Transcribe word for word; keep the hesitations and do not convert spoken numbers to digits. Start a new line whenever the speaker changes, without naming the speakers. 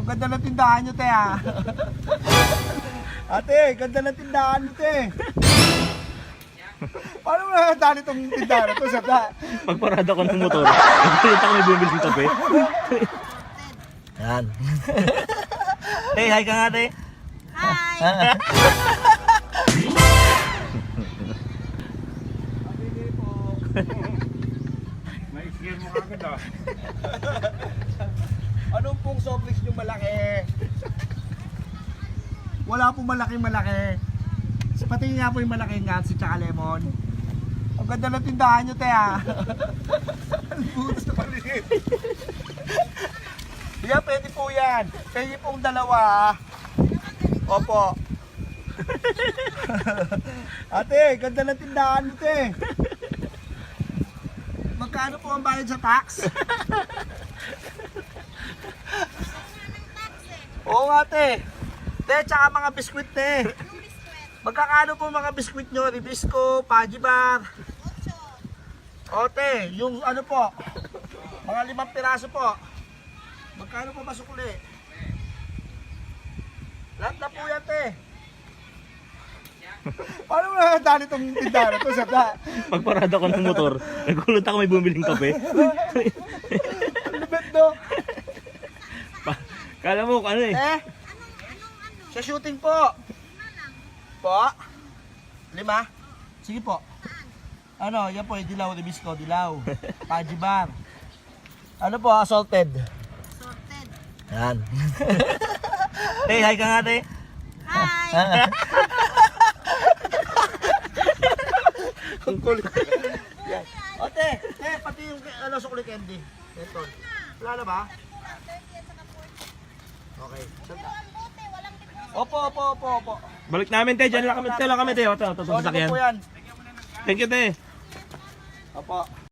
ganda ng tindahan nyo, te, ah. Ate, ganda ng tindahan nyo, te. Paano mo nakatali itong tindahan na ito, Sata?
Pagparada ko ng motor, nagpunta ko may bumili ng kape. Yan. Hey, hi ka nga, te.
Hi!
May scare mo kagad, ah. Anong pong soft drinks nyo malaki? Wala pong malaki-malaki. Pati nga po yung malaking gansi tsaka lemon. Ang ganda ng tindahan nyo, te, ah. Ang butas na maliit. Yan, pwede po yan. Pwede pong dalawa, ah. Opo. Ate, ganda ng tindahan nyo, te. Magkano po ang bayad sa tax? Oo nga, te. Te, tsaka mga biskwit, te. Magkakano po mga biskwit nyo? Ribisco, Pajibar. Ote, yung ano po, mga limang piraso po. Magkano po ba sukuli? Lahat na po yan, te. Paano mo nakatali itong tindahan na ito, Sata?
Pagparada ko ng motor, nagkulot ako may bumili ng kape.
Ang lupit, no?
Pa- Kala mo ano eh.
Eh? Sa shooting po. Po? Lima? Sige po. Ano, yan po, yung dilaw, ribisco, dilaw. Pajibar. Ano po, salted?
Sorted.
Yan. Hey, hi ka nga, te.
Hi!
Ang kulit. Yan. O, te, te, pati yung ano, sukuli candy. Ito. Wala na ba? Okay. Santa. Opo, opo, opo, opo.
Balik namin, te. Diyan lang kami, te. Lang kami, te. Ito, ito, ito,
So, ano
sasakyan.
po yan?
Thank you, te.
Opo.